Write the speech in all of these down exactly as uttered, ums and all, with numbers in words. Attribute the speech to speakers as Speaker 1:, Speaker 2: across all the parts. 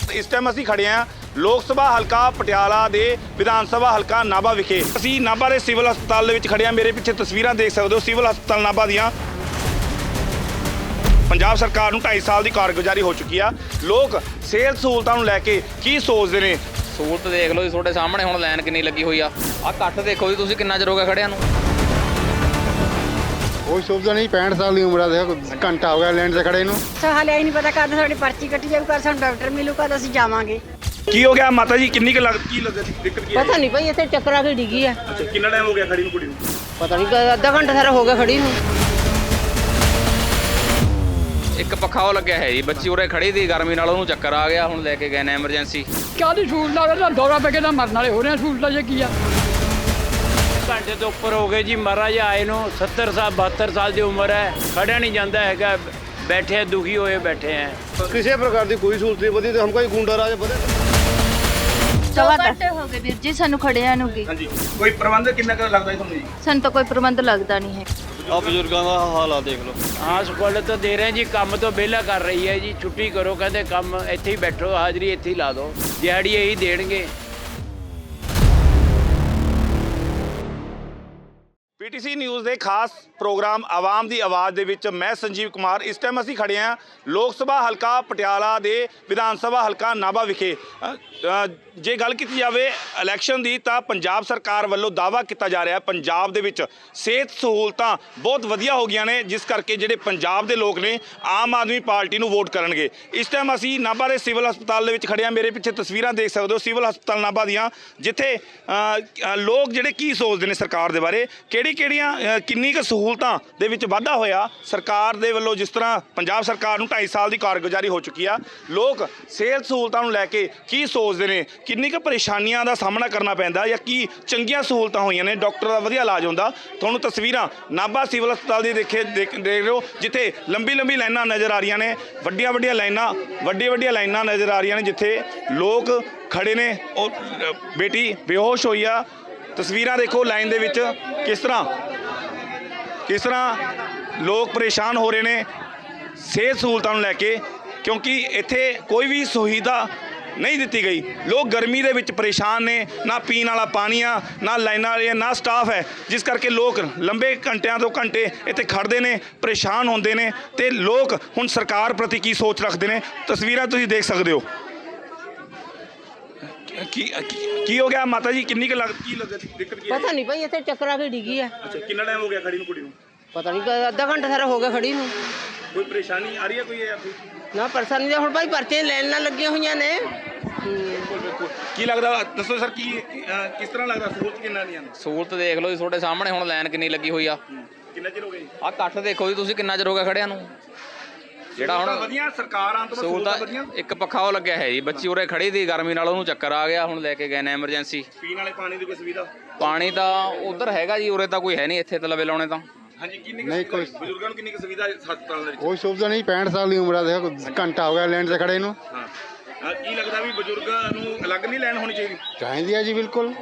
Speaker 1: इस टाइम असीं खड़े हैं लोक सभा हल्का पटियाला दे विधान सभा हल्का नाभा विखे। असीं नाभा दे सिविल हस्पताल दे विच खड़े हैं। मेरे पिछे तस्वीरां देख सकते हो सिविल हस्पताल नाभा दियां। पंजाब सरकार नूं ढाई साल की कारगुजारी हो चुकी है। लोग सेहत सहूलतां नूं लैके की सोचते हैं?
Speaker 2: सहूलत देख लो जी, ਤੁਹਾਡੇ ਸਾਹਮਣੇ ਹੁਣ ਲਾਈਨ ਕਿੰਨੀ ਲੱਗੀ ਹੋਈ ਆ। ਆ ਕੱਟ ਦੇਖੋ ਜੀ ਤੁਸੀਂ ਕਿੰਨਾ ਚਿਰ ਹੋ ਗਿਆ ਖੜਿਆਂ ਨੂੰ।
Speaker 3: कोई सुविधा नहीं, पैंठ साल की उम्र है, घंटा हो गया लाइन से खड़े।
Speaker 4: हाले ही नहीं पता कद साड़ी पर्ची कटी जाए, कद सानू डॉक्टर मिलू, कद असीं जावांगे।
Speaker 1: की हो गया माता जी? किन्नी की लग की लग दिक्कत की है?
Speaker 5: पता नहीं भाई, इतने चक्कर आ के डिगी है।
Speaker 1: अच्छा, कितना टाइम हो गया खड़ी नूं कुड़ी नूं?
Speaker 5: पता नहीं, अद्धा घंटा सारा हो गया खड़ी नूं।
Speaker 2: ਇੱਕ ਪੱਖਾ ਉਹ ਲੱਗਿਆ ਹੈ ਜੀ, ਬੱਚੀ ਉਰੇ ਖੜੀ ਦੀ ਗਰਮੀ ਨਾਲ ਉਹਨੂੰ ਚੱਕਰ ਆ ਗਿਆ, ਹੁਣ ਲੈ ਕੇ ਗਏ ਨੇ ਐਮਰਜੈਂਸੀ।
Speaker 6: ਕਾਹਦੀ ਸਹੂਲਤਾਂ ਦਾ ਦੌਰਾ ਪੈ ਕੇ ਤਾਂ ਮਰਨ ਵਾਲੇ ਹੋ ਰਹੇ ਆ। ਸਹੂਲਤਾਂ ਜੇ ਕੀ ਆ?
Speaker 7: घंटे तो उपर हो गए जी महाराज आए नो। सत्तर साल बहत्तर साल की उम्र है, खड़ा नहीं जाता है, बैठे दुखी होए बैठे हैं।
Speaker 3: किसी प्रकार की कोई सहूलत नहीं बदी, हम कोई गुंडा राज बदे
Speaker 8: दो घंटे हो गए वीर जी सानू खड़िया नूं गी।
Speaker 1: हाँ जी, कोई प्रबंध कितना का लगता है तुहानूं जी?
Speaker 8: सानू तो कोई प्रबंध लगता नहीं है।
Speaker 3: आप बुजुर्गों का हाल आ देख लो।
Speaker 7: हाँ स्कूल तो दे रहे हैं जी, काम तो बेला कर रही है जी। छुट्टी करो कहते काम इत्थे ही बैठो, हाजरी इत्थे ही ला दो, दिहाड़ी यही देणगे।
Speaker 1: पीटीसी न्यूज़ के खास प्रोग्राम आवाम की आवाज़ दे विच मैं संजीव कुमार। इस टाइम असीं खड़े हैं लोक सभा हल्का पटियाला दे विधान सभा हल्का नाभा विखे। जे गल की जाए इलैक्शन की तो पंजाब सरकार वालों दावा किया जा रहा है पंजाब दे विच सेहत सहूलतां बहुत वधिया हो गई ने, जिस करके जिहड़े पंजाब के लोग ने आम आदमी पार्टी नूं वोट करनगे। इस टाइम असीं नाभा के सिविल हस्पताल दे विच खड़े हैं। मेरे पिछे तस्वीरां देख सकते हो सिविल हस्पताल नाभा दियां, जिथे लोग जिहड़े की सोचते हैं सरकार दे बारे, किहड़ी ਕਿਹੜੀਆਂ ਕਿੰਨੀ ਕੁ ਸਹੂਲਤਾਂ ਦੇ ਵਿੱਚ ਵਾਧਾ ਹੋਇਆ ਸਰਕਾਰ ਦੇ ਵੱਲੋਂ। ਜਿਸ ਤਰ੍ਹਾਂ ਪੰਜਾਬ ਸਰਕਾਰ ਨੂੰ ਢਾਈ ਸਾਲ ਦੀ ਕਾਰਗੁਜ਼ਾਰੀ ਹੋ ਚੁੱਕੀ ਆ, ਲੋਕ ਸਿਹਤ ਸਹੂਲਤਾਂ ਨੂੰ ਲੈ ਕੇ ਕੀ ਸੋਚਦੇ ਨੇ, ਕਿੰਨੀ ਕੁ ਪਰੇਸ਼ਾਨੀਆਂ ਦਾ ਸਾਹਮਣਾ ਕਰਨਾ ਪੈਂਦਾ ਜਾਂ ਕੀ ਚੰਗੀਆਂ ਸਹੂਲਤਾਂ ਹੋਈਆਂ ਨੇ, ਡਾਕਟਰ ਦਾ ਵਧੀਆ ਇਲਾਜ ਹੁੰਦਾ। ਤੁਹਾਨੂੰ ਤਸਵੀਰਾਂ ਨਾਭਾ ਸਿਵਲ ਹਸਪਤਾਲ ਦੀ ਦੇਖੇ ਦੇਖ ਰਹੇ ਹੋ, ਜਿੱਥੇ ਲੰਬੀ ਲੰਬੀ ਲਾਈਨਾਂ ਨਜ਼ਰ ਆ ਰਹੀਆਂ ਨੇ, ਵੱਡੀਆਂ ਵੱਡੀਆਂ ਲਾਈਨਾਂ ਵੱਡੀਆਂ ਵੱਡੀਆਂ ਲਾਈਨਾਂ ਨਜ਼ਰ ਆ ਰਹੀਆਂ ਨੇ, ਜਿੱਥੇ ਲੋਕ ਖੜੇ ਨੇ। ਉਹ ਬੇਟੀ ਬੇਹੋਸ਼ ਹੋਈ ਆ। ਤਸਵੀਰਾਂ ਦੇਖੋ ਲਾਈਨ ਦੇ ਵਿੱਚ ਕਿਸ ਤਰ੍ਹਾਂ ਕਿਸ ਤਰ੍ਹਾਂ ਲੋਕ ਪਰੇਸ਼ਾਨ ਹੋ ਰਹੇ ਨੇ ਸਿਹਤ ਸਹੂਲਤਾਂ ਨੂੰ ਲੈ ਕੇ, ਕਿਉਂਕਿ ਇੱਥੇ ਕੋਈ ਵੀ ਸੁਵਿਧਾ ਨਹੀਂ ਦਿੱਤੀ ਗਈ। ਲੋਕ ਗਰਮੀ ਦੇ ਵਿੱਚ ਪਰੇਸ਼ਾਨ ਨੇ, ਨਾ ਪੀਣ ਵਾਲਾ ਪਾਣੀ ਆ, ਨਾ ਲਾਈਨਾਂ ਵਾਲੀਆਂ, ਨਾ ਸਟਾਫ ਹੈ, ਜਿਸ ਕਰਕੇ ਲੋਕ ਲੰਬੇ ਘੰਟਿਆਂ ਤੋਂ ਘੰਟੇ ਇੱਥੇ ਖੜ੍ਹਦੇ ਨੇ, ਪਰੇਸ਼ਾਨ ਹੁੰਦੇ ਨੇ। ਅਤੇ ਲੋਕ ਹੁਣ ਸਰਕਾਰ ਪ੍ਰਤੀ ਕੀ ਸੋਚ ਰੱਖਦੇ ਨੇ, ਤਸਵੀਰਾਂ ਤੁਸੀਂ ਦੇਖ ਸਕਦੇ ਹੋ। की की हो गया माता जी? किन्नी लग की लग दिक्कत की?
Speaker 5: पता नहीं भाई, इतने चक्कर आ के डिगी है।
Speaker 1: अच्छा, कितना टाइम हो गया खड़ी नूं कुड़ी नूं?
Speaker 5: पता नहीं, अद्धा घंटा सारा हो गया खड़ी नूं।
Speaker 1: कोई परेशानी आ रही है कोई?
Speaker 5: ना परेशानी हुण भाई पर्चे लाइन ना लगी हुई ने।
Speaker 1: ਕੀ ਲੱਗਦਾ ਦੱਸੋ ਸਰ, ਕੀ ਕਿਸ ਤਰ੍ਹਾਂ ਲੱਗਦਾ ਸਹੂਲਤ ਕਿੰਨਾ ਨਹੀਂ ਆਉਂਦੀ?
Speaker 2: ਸਹੂਲਤ ਦੇਖ ਲਓ ਜੀ, ਤੁਹਾਡੇ ਸਾਹਮਣੇ ਹੁਣ ਲਾਈਨ ਕਿੰਨੀ ਲੱਗੀ ਹੋਈ ਆ।
Speaker 1: ਕਿੰਨਾ ਚਿਰ ਹੋ ਗਿਆ ਜੀ?
Speaker 2: ਆ ਕੱਟ ਦੇਖੋ ਜੀ ਤੁਸੀਂ ਕਿੰਨਾ ਚਿਰ ਹੋ ਗਿਆ ਖੜਿਆਂ ਨੂੰ। ਜਿਹੜਾ ਹੁਣ
Speaker 1: ਵਧੀਆ ਸਰਕਾਰਾਂ ਤੋਂ
Speaker 2: ਸਹੂਲਤਾਂ, ਇੱਕ ਪੱਖਾ ਉਹ ਲੱਗਿਆ ਹੈ ਜੀ, ਬੱਚੀ ਉਰੇ ਖੜੀ ਦੀ ਗਰਮੀ ਨਾਲ ਉਹਨੂੰ ਚੱਕਰ ਆ ਗਿਆ, ਹੁਣ ਲੈ ਕੇ ਗਏ ਨੇ ਐਮਰਜੈਂਸੀ।
Speaker 1: ਪੀਣ ਵਾਲੇ ਪਾਣੀ ਦੀ ਕੋਈ ਸੁਵਿਧਾ?
Speaker 2: ਪਾਣੀ ਤਾਂ ਉਧਰ ਹੈਗਾ ਜੀ, ਉਰੇ ਤਾਂ ਕੋਈ ਹੈ ਨਹੀਂ, ਇੱਥੇ ਤਾਂ ਲਵੇ ਲਾਉਣੇ ਤਾਂ।
Speaker 1: ਹਾਂਜੀ, ਕਿੰਨੀ
Speaker 3: ਨਹੀਂ ਕੋਈ
Speaker 1: ਬਜ਼ੁਰਗਾਂ ਨੂੰ ਕਿੰਨੀ ਕੁ ਸੁਵਿਧਾ ਹਸਪਤਾਲ ਦੇ ਵਿੱਚ?
Speaker 3: कोई सुविधा नहीं, पैंठ साल की उम्र है, घंटा हो गया लाइन से खड़े।
Speaker 1: ਹਾਂ, ਕੀ ਲੱਗਦਾ ਵੀ ਬਜ਼ੁਰਗਾਂ ਨੂੰ ਅਲੱਗ ਨਹੀਂ ਲਾਈਨ ਹੋਣੀ ਚਾਹੀਦੀ?
Speaker 3: चाहिए है जी बिल्कुल।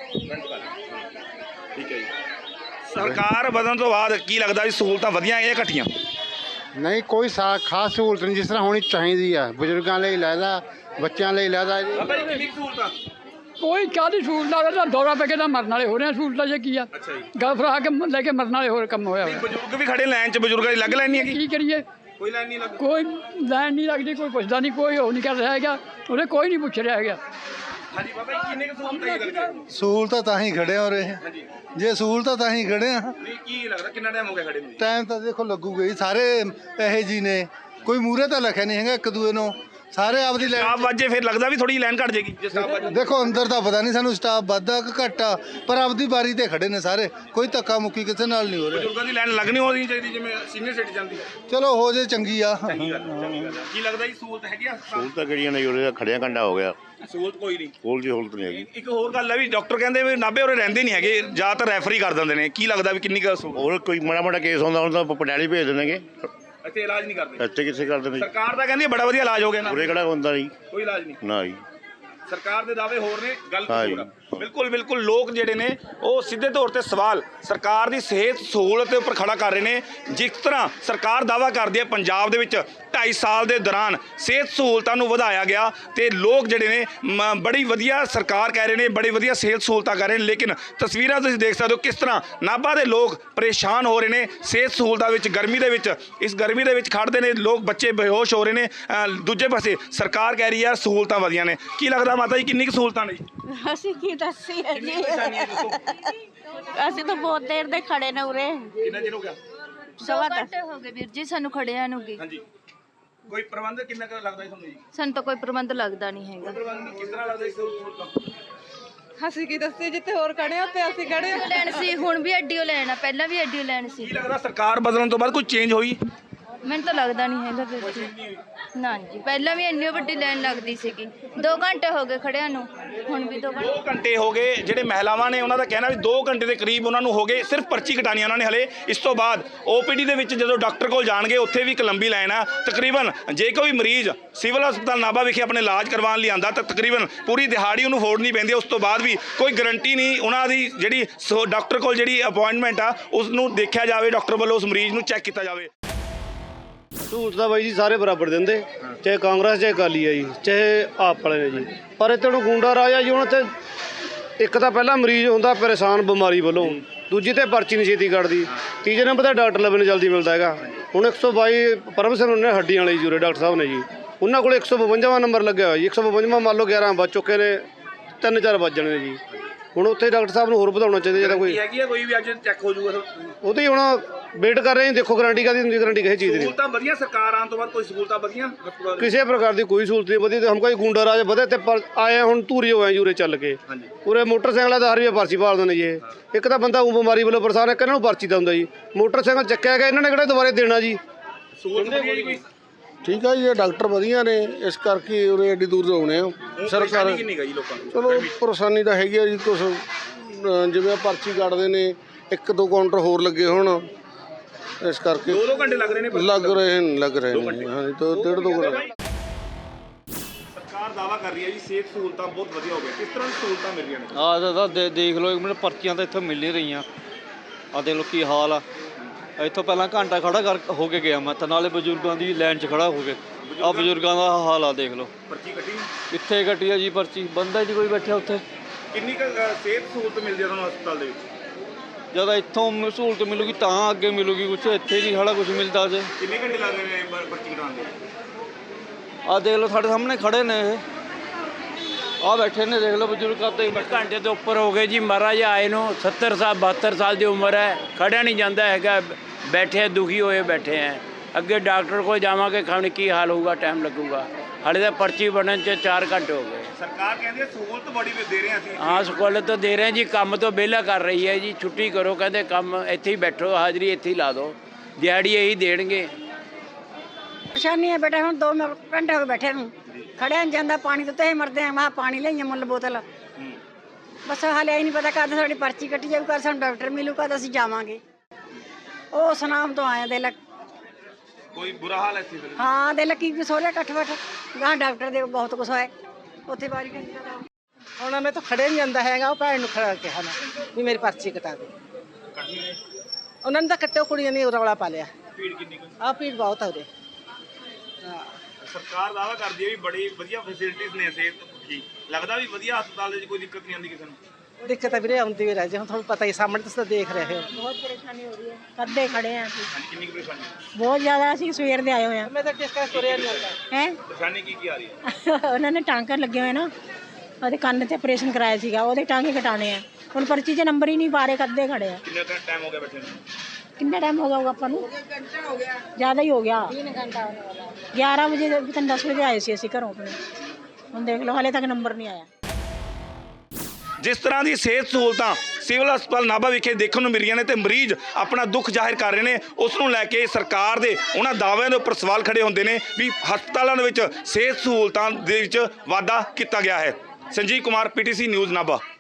Speaker 1: ਠੀਕ ਹੈ ਜੀ। ਸਰਕਾਰ ਬਦਲਣ ਤੋਂ ਬਾਅਦ ਕੀ ਲੱਗਦਾ ਵੀ ਸਹੂਲਤਾਂ ਵਧੀਆਂ ਜਾਂ ਘਟੀਆਂ?
Speaker 3: नहीं कोई खास सहूलत नहीं, जिस तरह होनी चाहिए है बजुर्गों लिए लैदा, बच्चों लिए लैदा।
Speaker 1: ਬਾਬਾ ਜੀ ਕਿੰਨੀ ਸਹੂਲਤਾਂ?
Speaker 6: ਕੋਈ ਕਾਹਦੀ ਸਹੂਲਤਾਂ ਦਾ ਦੌਰਾ ਪੈ ਕੇ ਤਾਂ ਮਰਨ ਵਾਲੇ ਹੋ ਰਹੇ ਆ। ਸਹੂਲਤਾਂ ਜੇ ਕੀ ਆ?
Speaker 1: ਅੱਛਾ ਜੀ।
Speaker 6: ਗੱਲ ਫਰਾ ਕੇ ਲੈ ਕੇ ਮਰਨ ਵਾਲੇ ਹੋਰ ਕੰਮ ਹੋਇਆ ਹੋਇਆ।
Speaker 1: ਬਜ਼ੁਰਗ ਵੀ ਖੜੇ ਲਾਈਨ 'ਚ, ਬਜ਼ੁਰਗਾਂ ਦੀ ਲੱਗ ਲਾਈਨ ਨਹੀਂ ਹੈਗੀ?
Speaker 6: ਕੀ ਕਰੀਏ?
Speaker 1: ਕੋਈ ਲਾਈਨ ਨਹੀਂ ਲੱਗ
Speaker 6: ਕੋਈ ਲਾਈਨ ਨਹੀਂ ਲੱਗਦੀ, ਕੋਈ ਪੁੱਛਦਾ ਨਹੀਂ, ਕੋਈ ਉਹ ਨਹੀਂ ਕਰ ਰਿਹਾ ਹੈਗਾ, ਉਹਨੇ ਕੋਈ ਨਹੀਂ ਪੁੱਛ ਰਿਹਾ ਹੈਗਾ।
Speaker 1: ਹਾਂਜੀ ਬਾਬਾ ਜੀ, ਕਿੰਨੀ ਕੁ ਸਹੂਲਤਾਂ ਕੀ ਲੱਗਦੀਆਂ?
Speaker 3: सहूलत ਤਾਂ ਹੀ ਖੜੇ ਹੋ ਰਹੇ
Speaker 1: ਹਾਂਜੀ,
Speaker 3: ਜੇ ਸਹੂਲਤ ਤਾਂ ਹੀ ਖੜੇ ਆ।
Speaker 1: ਨਹੀਂ ਕੀ ਲੱਗਦਾ ਕਿੰਨਾ ਟਾਈਮ ਹੋ ਗਿਆ ਖੜੇ ਨੂੰ?
Speaker 3: ਟਾਈਮ ਤਾਂ ਦੇਖੋ ਲੱਗੂਗਾ ਹੀ, ਸਾਰੇ ਇਹੋ ਜੀ ਨੇ, ਕੋਈ ਮੂਹਰੇ ਤਾਂ ਲਿਖਿਆ ਨਹੀਂ ਹੈਗਾ ਇੱਕ ਦੂਏ ਨੂੰ, ਸਾਰੇ ਆਪਦੀ
Speaker 1: ਸਟਾਫ
Speaker 3: ਲਾਈਨ।
Speaker 1: ਵਾਜੇ ਫਿਰ ਲੱਗਦਾ ਵੀ ਥੋੜੀ ਲਾਈਨ ਘਟ ਜਾਏਗੀ ਜੇ ਸਟਾਫ ਵਾਜੇ।
Speaker 3: ਦੇਖੋ ਅੰਦਰ ਤਾਂ ਪਤਾ ਨਹੀਂ ਸਾਨੂੰ ਸਟਾਫ ਵੱਧਾ ਕਿ ਘੱਟਾ, ਪਰ ਆਪਦੀ ਬਾਰੀ ਤੇ ਖੜੇ ਨੇ ਸਾਰੇ, ਕੋਈ ਧੱਕਾ ਮੁੱਕੀ ਕਿਸੇ ਨਾਲ ਨਹੀਂ ਹੋ ਰਿਹਾ।
Speaker 1: ਬਜ਼ੁਰਗਾਂ ਦੀ ਲਾਈਨ ਲੱਗਣੀ ਹੋਣੀ ਚਾਹੀਦੀ, ਜਿਵੇਂ ਸੀਨੀਅਰ ਸਿਟੀਜ਼ਨ ਦੀ।
Speaker 3: ਚਲੋ ਹੋ ਜੇ ਚੰਗੀ ਆ।
Speaker 1: ਚੰਗੀ ਗੱਲ ਹੈ, ਚੰਗੀ ਗੱਲ ਹੈ। ਕੀ ਲੱਗਦਾ ਜੀ ਸਹੂਲਤ ਹੈਗੀ ਆ?
Speaker 9: ਸਹੂਲਤਾਂ ਕਿਹੜੀਆਂ ਨੇ? ਉਰੇ ਖੜਿਆ ਘੰਟਾ ਹੋ ਗਿਆ,
Speaker 1: ਸਹੂਲਤ ਕੋਈ ਨਹੀਂ।
Speaker 9: ਕੋਲ ਦੀ ਸਹੂਲਤ ਨਹੀਂ ਹੈਗੀ।
Speaker 1: ਇੱਕ ਹੋਰ ਗੱਲ ਹੈ ਵੀ ਡਾਕਟਰ ਕਹਿੰਦੇ ਵੀ ਨਾਭੇ ਉਰੇ ਰਹਿੰਦੇ ਨਹੀਂ ਹੈਗੇ, ਜ਼ਿਆਦਾਤਰ ਰੈਫਰੀ ਕਰ ਦਿੰਦੇ ਨੇ। ਕੀ ਲੱਗਦਾ ਵੀ ਕਿੰਨੀ ਕੁ ਸਹੂਲਤ?
Speaker 9: ਹੋਰ ਕੋਈ ਮਾੜਾ ਮਾੜਾ ਕੇਸ ਹੁੰਦਾ ਉਹਨਾਂ ਦਾ ਪਟਿਆਲੇ ਭੇਜ ਦਿੰਦੇ,
Speaker 1: ਇੱਥੇ ਇਲਾਜ ਨਹੀਂ ਕਰਦੇ?
Speaker 9: ਇੱਥੇ ਕਿੱਥੇ ਕਰਦੇ ਨੇ?
Speaker 1: ਸਰਕਾਰ ਤਾਂ ਕਹਿੰਦੀ ਬੜਾ ਵਧੀਆ ਇਲਾਜ ਹੋ ਗਿਆ ਨਾ।
Speaker 9: ਉਰੇ ਕਿਹੜਾ ਹੁੰਦਾ ਜੀ?
Speaker 1: ਕੋਈ ਇਲਾਜ ਨਹੀਂ।
Speaker 9: ਨਾ ਜੀ,
Speaker 1: ਸਰਕਾਰ ਦੇ ਦਾਅਵੇ ਹੋਰ ਨੇ, ਗੱਲ
Speaker 9: ਹਾਂ
Speaker 1: ਕੁਛ
Speaker 9: ਜੀ,
Speaker 1: ਹੋਰ ਆ। ਬਿਲਕੁਲ ਬਿਲਕੁਲ ਲੋਕ ਜਿਹੜੇ ਨੇ ਉਹ ਸਿੱਧੇ ਤੌਰ ਤੇ ਸਵਾਲ ਸਰਕਾਰ ਦੀ ਸਿਹਤ ਸਹੂਲਤ ਦੇ ਉੱਪਰ ਖੜਾ ਕਰ ਰਹੇ ਨੇ। ਜਿਸ ਤਰ੍ਹਾਂ ਸਰਕਾਰ ਦਾਅਵਾ ਕਰਦੀ ਹੈ ਪੰਜਾਬ ਦੇ ਵਿੱਚ ਢਾਈ ਸਾਲ ਦੇ ਦੌਰਾਨ ਸਿਹਤ ਸਹੂਲਤਾਂ ਨੂੰ ਵਧਾਇਆ ਗਿਆ ਤੇ ਲੋਕ ਜਿਹੜੇ ਨੇ ਮ- ਬੜੀ ਵਧੀਆ ਸਰਕਾਰ ਕਹਿ ਰਹੇ ਨੇ, ਬੜੀ ਵਧੀਆ ਸਿਹਤ ਸਹੂਲਤਾਂ ਕਰ ਰਹੇ ਨੇ, ਲੇਕਿਨ ਤਸਵੀਰਾਂ ਤੁਸੀਂ ਦੇਖ ਸਕਦੇ ਹੋ ਕਿਸ ਤਰ੍ਹਾਂ ਨਾਭਾ ਦੇ ਲੋਕ ਪਰੇਸ਼ਾਨ ਹੋ ਰਹੇ ਨੇ ਸਿਹਤ ਸਹੂਲਤਾਂ ਵਿੱਚ। ਗਰਮੀ ਦੇ ਵਿੱਚ ਇਸ ਗਰਮੀ ਦੇ ਵਿੱਚ ਖੜਦੇ ਨੇ ਲੋਕ, ਬੱਚੇ ਬੇਹੋਸ਼ ਹੋ ਰਹੇ ਨੇ। ਅ, ਦੂਜੇ ਪਾਸੇ ਸਰਕਾਰ ਕਹਿ ਰਹੀ ਹੈ ਸਹੂਲਤਾਂ ਵਧੀਆਂ ਨੇ। ਕੀ ਲੱਗਦਾ ਮਾਤਾ ਜੀ ਕਿੰਨੀ ਕੁ ਸਹੂਲਤਾਂ ਨੇ ਜੀ?
Speaker 4: ਅਸੀਂ ਕੀ ਦੱਸੀ ਹੈ ਜੀ ਅਸੀਂ ਤਾਂ ਬਹੁਤ ਦੇਰ ਦੇ ਖੜੇ ਨੇ ਉਰੇ।
Speaker 1: ਕਿੰਨਾ ਚਿਰ ਹੋ ਗਿਆ?
Speaker 8: ਸਵਾ ਘੰਟੇ ਹੋ ਗਏ ਵੀਰ ਜੀ ਸਾਨੂੰ ਖੜਿਆਂ ਨੂੰ ਗੀ।
Speaker 1: ਹਾਂਜੀ, ਕੋਈ ਪ੍ਰਬੰਧ ਕਿੰਨਾ ਕੁ ਲੱਗਦਾ ਜੀ ਤੁਹਾਨੂੰ ਜੀ?
Speaker 8: ਸਾਨੂੰ ਤਾਂ ਕੋਈ ਪ੍ਰਬੰਧ ਲੱਗਦਾ ਨਹੀਂ ਹੈਗਾ।
Speaker 1: ਪ੍ਰਬੰਧ ਕਿਸ ਤਰ੍ਹਾਂ ਲੱਗਦਾ ਇਸ ਸਹੂਲਤਾਂ?
Speaker 5: ਅਸੀਂ ਕੀ ਦੱਸੇ ਜਿੱਥੇ ਹੋਰ ਖੜੇ ਹੋ ਤੇ ਅਸੀਂ ਖੜੇ
Speaker 8: ਐਡੀਓ ਲੈਣ ਸੀ, ਹੁਣ ਵੀ ਐਡੀਓ ਲੈਣਾ, ਪਹਿਲਾਂ ਵੀ ਐਡੀਓ ਲੈਣ ਸੀ।
Speaker 1: ਕੀ ਲੱਗਦਾ ਸਰਕਾਰ ਬਦਲਣ ਤੋਂ ਬਾਅਦ ਕੋਈ ਚੇਂਜ ਹੋਈ?
Speaker 8: ਮੈਨੂੰ ਤਾਂ ਲੱਗਦਾ ਨਹੀਂ ਹੈਗਾ ਵੀਰ ਜੀ। ਨਾ ਜੀ, ਪਹਿਲਾਂ ਵੀ ਇੰਨੀ ਵੱਡੀ ਲਾਈਨ ਲੱਗਦੀ ਸੀਗੀ। ਦੋ ਘੰਟੇ ਹੋ ਗਏ ਖੜਿਆਂ ਨੂੰ, ਹੁਣ ਵੀ ਦੋ ਘੰਟੇ।
Speaker 1: ਦੋ ਘੰਟੇ ਹੋ ਗਏ। ਜਿਹੜੇ ਮਹਿਲਾਵਾਂ ਨੇ ਉਹਨਾਂ ਦਾ ਕਹਿਣਾ ਵੀ ਦੋ ਘੰਟੇ ਦੇ ਕਰੀਬ ਉਹਨਾਂ ਨੂੰ ਹੋ ਗਏ ਸਿਰਫ ਪਰਚੀ ਕਟਾਣੀ ਉਹਨਾਂ ਨੇ ਹਲੇ। ਇਸ ਤੋਂ ਬਾਅਦ ਓਪੀਡੀ ਦੇ ਵਿੱਚ ਜਦੋਂ ਡਾਕਟਰ ਕੋਲ ਜਾਣਗੇ ਉੱਥੇ ਵੀ ਇੱਕ ਲੰਬੀ ਲਾਈਨ ਆ। ਤਕਰੀਬਨ ਜੇ ਕੋਈ ਮਰੀਜ਼ ਸਿਵਲ ਹਸਪਤਾਲ ਨਾਭਾ ਵਿਖੇ ਆਪਣੇ ਇਲਾਜ ਕਰਵਾਉਣ ਲਈ ਆਂਦਾ ਤਾਂ ਤਕਰੀਬਨ ਪੂਰੀ ਦਿਹਾੜੀ ਉਹਨੂੰ ਫੋੜਨੀ ਪੈਂਦੀ ਹੈ। ਉਸ ਤੋਂ ਬਾਅਦ ਵੀ ਕੋਈ ਗਰੰਟੀ ਨਹੀਂ ਉਹਨਾਂ ਦੀ ਜਿਹੜੀ ਸੋ ਡਾਕਟਰ ਕੋਲ ਜਿਹੜੀ ਅਪਾਇੰਟਮੈਂਟ ਆ ਉਸ ਨੂੰ ਦੇਖਿਆ ਜਾਵੇ, ਡਾਕਟਰ ਵੱਲੋਂ ਉਸ ਮਰੀਜ਼ ਨੂੰ ਚੈੱਕ ਕੀਤਾ ਜਾਵੇ।
Speaker 10: ਸਹੂਲਤ ਤਾਂ ਬਾਈ ਜੀ ਸਾਰੇ ਬਰਾਬਰ ਦਿੰਦੇ, ਚਾਹੇ ਕਾਂਗਰਸ ਚਾਹੇ ਅਕਾਲੀ ਆ ਜੀ, ਚਾਹੇ ਆਪ ਵਾਲੇ ਨੇ ਜੀ। ਪਰ ਇੱਥੇ ਹੁਣ ਗੁੰਡਾ ਰਾਜ ਆ ਜੀ। ਹੁਣ ਇੱਥੇ ਇੱਕ ਤਾਂ ਪਹਿਲਾਂ ਮਰੀਜ਼ ਹੁੰਦਾ ਪਰੇਸ਼ਾਨ ਬਿਮਾਰੀ ਵੱਲੋਂ, ਦੂਜੀ ਤੇ ਪਰਚੀ ਨਹੀਂ ਛੇਤੀ ਕੱਢਦੀ, ਤੀਜੇ ਨੰਬਰ ਤੇ ਡਾਕਟਰ ਲੱਭਣ ਨੂੰ ਜਲਦੀ ਮਿਲਦਾ ਹੈਗਾ। ਹੁਣ ਇੱਕ ਸੌ ਬਾਈ ਪਰਮ ਸਿੰਘ ਨੇ ਹੱਡੀਆਂ ਵਾਲੇ ਜੂਰੇ ਡਾਕਟਰ ਸਾਹਿਬ ਨੇ ਜੀ, ਉਹਨਾਂ ਕੋਲ ਇੱਕ ਸੌ ਬਵੰਜਾਵਾਂ ਨੰਬਰ ਲੱਗਿਆ ਹੋਇਆ ਜੀ। ਇੱਕ ਸੌ ਬਵੰਜਾਵਾਂ ਮੰਨ ਲਓ ਗਿਆਰਾਂ ਵੱਜ ਚੁੱਕੇ ਨੇ, ਤਿੰਨ ਚਾਰ ਵੱਜ ਜਾਣੇ ਨੇ ਜੀ। ਹੁਣ ਉੱਥੇ ਡਾਕਟਰ ਸਾਹਿਬ ਨੂੰ ਹੋਰ ਵਧਾਉਣਾ ਚਾਹੀਦਾ ਜਿਹੜਾ ਕੋਈ
Speaker 1: ਹੈਗੀ ਆ ਕੋਈ ਵੀ ਅੱਜ ਚੈੱਕ ਹੋ ਜਾਊਗਾ।
Speaker 10: ਉਹਦੀ ਹੁਣ ਵੇਟ ਕਰ ਰਹੇ ਹਾਂ। ਦੇਖੋ ਗਾਰੰਟੀ ਕਾਹਦੀ ਹੁੰਦੀ, ਗਾਰੰਟੀ ਕਿਸੇ ਚੀਜ਼ ਦੀ ਨਹੀਂ।
Speaker 1: ਸਹੂਲਤਾਂ ਵਧੀਆ ਸਰਕਾਰ ਆਉਣ ਤੋਂ ਬਾਅਦ ਕੋਈ ਸਹੂਲਤਾਂ ਵਧੀਆਂ?
Speaker 10: ਕਿਸੇ ਪ੍ਰਕਾਰ ਦੀ ਕੋਈ ਸਹੂਲਤ ਨਹੀਂ ਵਧੀ। ਤੇ ਹਮ ਕੋਈ ਗੁੰਡਾ ਰਾਜ ਵਧੇ ਤੇ ਪਰ ਆਏ ਹੁਣ ਧੂਰੀ ਹੋਏ ਜੂਰੇ ਚੱਲ ਕੇ ਪੂਰੇ ਮੋਟਰਸਾਈਕਲਾਂ ਦਾ ਹਰ ਵੀ ਪਰਚੀ ਭਾਲਦੇ ਨੇ ਜੀ। ਇਹ ਇੱਕ ਤਾਂ ਬੰਦਾ ਉਹ ਬਿਮਾਰੀ ਵੱਲੋਂ ਪਰੇਸ਼ਾਨ ਹੈ, ਇਹਨਾਂ ਨੂੰ ਪਰਚੀ ਦਾ ਹੁੰਦਾ ਜੀ। ਮੋਟਰਸਾਈਕਲ ਚੱਕਿਆ ਗਿਆ, ਇਹਨਾਂ ਨੇ ਕਿਹੜਾ ਦੁਬਾਰੇ ਦੇਣਾ ਜੀ?
Speaker 1: ਸਹੂਲਤ ਵਧੀਆ ਜੀ ਕੋਈ?
Speaker 3: ਠੀਕ ਆ ਜੀ, ਇਹ ਡਾਕਟਰ ਵਧੀਆ ਨੇ, ਇਸ ਕਰਕੇ ਉਰੇ ਐਡੀ ਦੂਰ ਤੋਂ ਆਉਣੇ ਆ। ਸਰਕਾਰ
Speaker 1: ਕਿੰਨੀ ਗਾ ਜੀ ਲੋਕਾਂ ਨੂੰ?
Speaker 3: ਚਲੋ ਪਰੇਸ਼ਾਨੀ ਤਾਂ ਹੈਗੀ ਆ ਜੀ। ਕੁਛ ਅ, ਜਿਵੇਂ ਪਰਚੀ ਕੱਢਦੇ ਨੇ, ਇੱਕ ਦੋ ਕਾਊਂਟਰ ਹੋਰ ਲੱਗੇ ਹੁਣ, ਇਸ ਕਰਕੇ
Speaker 1: ਦੋ ਦੋ ਘੰਟੇ ਲੱਗ ਰਹੇ ਨੇ ਪਰਚੀ
Speaker 3: ਲੱਗ ਰਹੇ ਨੇ ਲੱਗ ਰਹੇ ਨੇ ਹਾਂਜੀ, ਤੋਂ ਡੇਢ ਦੋ ਘੰਟੇ।
Speaker 1: ਸਰਕਾਰ ਦਾਅਵਾ ਕਰ ਰਹੀ ਹੈ ਜੀ ਸਿਹਤ ਸਹੂਲਤਾਂ ਬਹੁਤ ਵਧੀਆ ਹੋ ਗਈਆਂ। ਕਿਸ ਤਰ੍ਹਾਂ ਦੀ ਸਹੂਲਤਾਂ ਮਿਲ ਰਹੀਆਂ ਨੇ?
Speaker 10: ਆਹ ਤਾਂ ਦੇ ਦੇਖ ਲਓ ਇੱਕ ਮਿੰਟ, ਪਰਚੀਆਂ ਤਾਂ ਇੱਥੋਂ ਮਿਲ ਨਹੀਂ ਰਹੀਆਂ। ਆਹ ਦੇਖ ਲਓ ਕੀ ਹਾਲ ਆ। ਇੱਥੋਂ ਪਹਿਲਾਂ ਘੰਟਾ ਖੜਾ ਕਰ ਹੋ ਕੇ ਗਿਆ ਮੈਂ ਤਾਂ, ਨਾਲੇ ਬਜ਼ੁਰਗਾਂ ਦੀ ਲਾਈਨ 'ਚ ਖੜਾ ਹੋ ਕੇ। ਆਹ ਬਜ਼ੁਰਗਾਂ ਦਾ ਹਾਲ ਆ ਦੇਖ ਲਓ।
Speaker 1: ਪਰਚੀ ਕੱਟੀ
Speaker 10: ਕਿੱਥੇ ਕੱਟੀ ਆ ਜੀ ਪਰਚੀ? ਬੰਦਾ ਹੀ ਨਹੀਂ ਕੋਈ ਬੈਠਿਆ ਉੱਥੇ।
Speaker 1: ਕਿੰਨੀ ਕੁ ਅ, ਸਿਹਤ ਸਹੂਲਤ ਮਿਲਦੀ ਹੈ ਤੁਹਾਨੂੰ ਹਸਪਤਾਲ ਦੇ ਵਿੱਚ?
Speaker 10: ਜਦ ਇੱਥੋਂ ਸਹੂਲਤ ਮਿਲੂਗੀ ਤਾਂ ਅੱਗੇ ਮਿਲੂਗੀ ਕੁਛ, ਇੱਥੇ ਨਹੀਂ ਸਾਡਾ ਕੁਛ ਮਿਲਦਾ ਜੇ।
Speaker 1: ਕਿੰਨੇ ਘੰਟੇ ਲੱਗ ਰਹੇ ਨੇ ਪ- ਪਰਚੀ ਕਟਾਉਣ ਦੇ?
Speaker 10: ਆਹ ਦੇਖ ਲਓ ਸਾਡੇ ਸਾਹਮਣੇ ਖੜੇ ਨੇ ਇਹ, ਆਹ ਬੈਠੇ ਨੇ ਦੇਖ ਲਓ ਬਜ਼ੁਰਗ ਕਰਦੇ
Speaker 7: ਘੰਟੇ ਤੋਂ ਉੱਪਰ ਹੋ ਗਏ ਜੀ ਮਹਾਰਾਜ ਆਏ ਨੂੰ। ਸੱਤਰ ਸਾਲ ਬਹੱਤਰ ਸਾਲ ਦੀ ਉਮਰ ਹੈ, ਖੜਿਆ ਨਹੀਂ ਜਾਂਦਾ ਹੈਗਾ, ਬੈਠੇ ਦੁਖੀ ਹੋਏ ਬੈਠੇ ਹੈ। ਅੱਗੇ ਡਾਕਟਰ ਕੋਲ ਜਾਵਾਂਗੇ, ਖਾਣ ਕੀ ਹਾਲ ਹੋਊਗਾ, ਟਾਈਮ ਲੱਗੂਗਾ। ਹਾਲੇ ਤਾਂ ਪਰਚੀ ਬਣਨ 'ਚ ਚਾਰ ਘੰਟੇ ਹੋ ਗਏ।
Speaker 1: ਸਰਕਾਰ ਕਹਿੰਦੀ ਹੈ ਸਹੂਲਤ ਬੜੀ ਦੇ ਰਹੇ ਹਾਂ ਅਸੀਂ।
Speaker 7: ਹਾਂ ਸਹੂਲਤ ਤਾਂ ਦੇ ਰਹੇ ਜੀ, ਕੰਮ ਤੋਂ ਵਿਹਲਾ ਕਰ ਰਹੀ ਹੈ ਜੀ। ਛੁੱਟੀ ਕਰੋ ਕਹਿੰਦੇ, ਕੰਮ ਇੱਥੇ ਹੀ ਬੈਠੋ, ਹਾਜ਼ਰੀ ਇੱਥੇ ਹੀ ਲਾ ਦਿਓ, ਦਿਹਾੜੀ ਇਹੀ ਦੇਣਗੇ।
Speaker 4: ਪਰੇਸ਼ਾਨੀ ਹੈ ਬੇਟਾ, ਹੁਣ ਦੋ ਘੰਟੇ ਹੋ ਗਏ ਬੈਠੇ ਨੂੰ, ਖੜਿਆ ਨਹੀਂ ਜਾਂਦਾ। ਪਾਣੀ ਤੋਂ ਤੇ ਮਰਦੇ ਆ। ਮੈਂ ਪਾਣੀ ਲਈਏ ਮੁੱਲ ਬੋਤਲ, ਬਸ ਹਾਲੇ ਹੀ ਨਹੀਂ ਪਤਾ ਕਦ ਸਾਡੀ ਪਰਚੀ ਕੱਟੀ ਜਾਊ, ਕਦ ਸਾਨੂੰ ਡਾਕਟਰ ਮਿਲੂ, ਕਦ ਅਸੀਂ ਜਾਵਾਂਗੇ। ਉਹ ਸੁਨਾਮ ਤੋਂ ਆਏ ਦੇ ਲੱਕ
Speaker 1: ਕੋਈ ਬੁਰਾ ਹਾਲ ਹੈ ਇੱਥੇ ਫਿਰ?
Speaker 4: ਹਾਂ ਦੇ ਲੱਕੀ ਸੋਹਰਿਆ ਇਕੱਠ ਬੱਠ ਗਾਂ ਡਾਕਟਰ ਦੇ ਬਹੁਤ ਕੁਛ ਹੋਇਆ ਉੱਥੇ ਵਾਰੀ ਕਹਿੰਦੀ
Speaker 5: ਹੁਣ ਮੈਂ ਤਾਂ ਖੜੇ ਨਹੀਂ ਜਾਂਦਾ ਹੈਗਾ। ਉਹ ਭੈਣ ਨੂੰ ਖੜਾ ਕਿਹਾ ਮੈਂ ਵੀ ਮੇਰੀ ਪਰਚੀ ਕਟਾ ਦੇ। ਉਹਨਾਂ ਨੇ ਤਾਂ ਕੱਟੋ, ਕੁੜੀਆਂ ਨੇ ਰੌਲਾ ਪਾ ਲਿਆ।
Speaker 1: ਭੀੜ ਕਿੰਨੀ ਕੁ?
Speaker 5: ਆਹ ਭੀੜ ਬਹੁਤ ਆ ਉਰੇ।
Speaker 1: ਸਰਕਾਰ ਦਾਅਵਾ ਕਰਦੀ ਹੈ ਵੀ ਬੜੀ ਵਧੀਆ ਫੈਸਿਲਿਟੀਆਂ ਨੇ ਸਿਹਤ ਦੀ। ਲੱਗਦਾ ਵੀ ਵਧੀਆ ਹਸਪਤਾਲ ਦੇ ਵਿੱਚ ਕੋਈ ਦਿੱਕਤ ਨਹੀਂ ਆਉਂਦੀ ਕਿਸੇ ਨੂੰ?
Speaker 5: ਦਿੱਕਤ ਤਾਂ ਵੀਰੇ ਆਉਂਦੀ ਵੀ ਰਹਿ ਜੇ। ਹੁਣ ਤੁਹਾਨੂੰ ਪਤਾ ਹੀ ਸਾਹਮਣੇ ਤੁਸੀਂ ਤਾਂ ਦੇਖ ਰਹੇ ਹੋ।
Speaker 4: ਬਹੁਤ ਪਰੇਸ਼ਾਨੀ ਹੋ ਰਹੀ ਹੈ, ਕੱਦੇ ਖੜੇ ਆ ਅਸੀਂ
Speaker 1: ਹਾਂਜੀ, ਕਿੰਨੀ ਕੁ ਪਰੇਸ਼ਾਨੀ?
Speaker 4: ਬਹੁਤ ਜ਼ਿਆਦਾ। ਅਸੀਂ ਸਵੇਰ ਦੇ ਆਏ ਹੋਏ ਆ।
Speaker 5: ਮੈਂ ਤਾਂ ਡਿਸਕਸ ਤੁਰਿਆ ਨਹੀਂ ਆਉਂਦਾ
Speaker 4: ਹੈ
Speaker 1: ਪਰੇਸ਼ਾਨੀ ਕੀ ਕੀ ਆ ਰਹੀ ਹੈ?
Speaker 4: ਉਹਨਾਂ ਨੇ ਟਾਂਕਰ ਲੱਗੇ ਹੋਏ ਨਾ, ਉਹਦੇ ਕੰਨ ਤੇ ਆਪਰੇਸ਼ਨ ਕਰਾਇਆ ਸੀਗਾ, ਉਹਦੇ ਟਾਂਕੇ ਕਟਾਣੇ ਆ। ਹੁਣ ਪਰਚੀ 'ਚ ਨੰਬਰ ਹੀ ਨਹੀਂ ਪਾ ਰਹੇ, ਕੱਦੇ ਖੜੇ ਆ।
Speaker 1: ਕਿੰਨਾ ਟਾਈਮ ਹੋ ਗਿਆ ਬੈਠੇ ਨੂੰ?
Speaker 4: ਕਿੰਨਾ ਟਾਈਮ ਹੋ ਗਿਆ ਹੋਊਗਾ ਆਪਾਂ ਨੂੰ?
Speaker 5: ਘੰਟਾ ਹੋ ਗਿਆ,
Speaker 4: ਜ਼ਿਆਦਾ ਹੀ ਹੋ ਗਿਆ। ਤਿੰਨ ਘੰਟਾ ਹੋਣੇ ਵਾਲਾ। ਗਿਆਰਾਂ ਵਜੇ ਤਿੰਨ ਦਸ ਵਜੇ ਆਏ ਸੀ ਅਸੀਂ ਘਰੋਂ ਆਪਣੇ। ਹੁਣ ਦੇਖ ਲਓ ਹਾਲੇ ਤੱਕ ਨੰਬਰ ਨਹੀਂ ਆਇਆ।
Speaker 1: ਜਿਸ ਤਰ੍ਹਾਂ ਦੀ ਸਿਹਤ ਸਹੂਲਤਾਂ ਸਿਵਲ ਹਸਪਤਾਲ ਨਾਭਾ ਵਿਖੇ ਦੇਖਣ ਨੂੰ ਮਿਲ ਰਹੀਆਂ ਨੇ ਤੇ ਮਰੀਜ਼ ਆਪਣਾ ਦੁੱਖ ਜ਼ਾਹਿਰ ਕਰ ਰਹੇ ਨੇ, ਉਸ ਨੂੰ ਲੈ ਕੇ ਸਰਕਾਰ ਦੇ ਉਹਨਾਂ ਦਾਅਵਿਆਂ ਦੇ ਉੱਪਰ ਸਵਾਲ ਖੜੇ ਹੁੰਦੇ ਨੇ ਵੀ ਹਸਪਤਾਲਾਂ ਦੇ ਵਿੱਚ ਸਿਹਤ ਸਹੂਲਤਾਂ ਦੇ ਵਿੱਚ ਵਾਧਾ ਕੀਤਾ ਗਿਆ ਹੈ। Sanjeev Kumar, PTC news Nabha.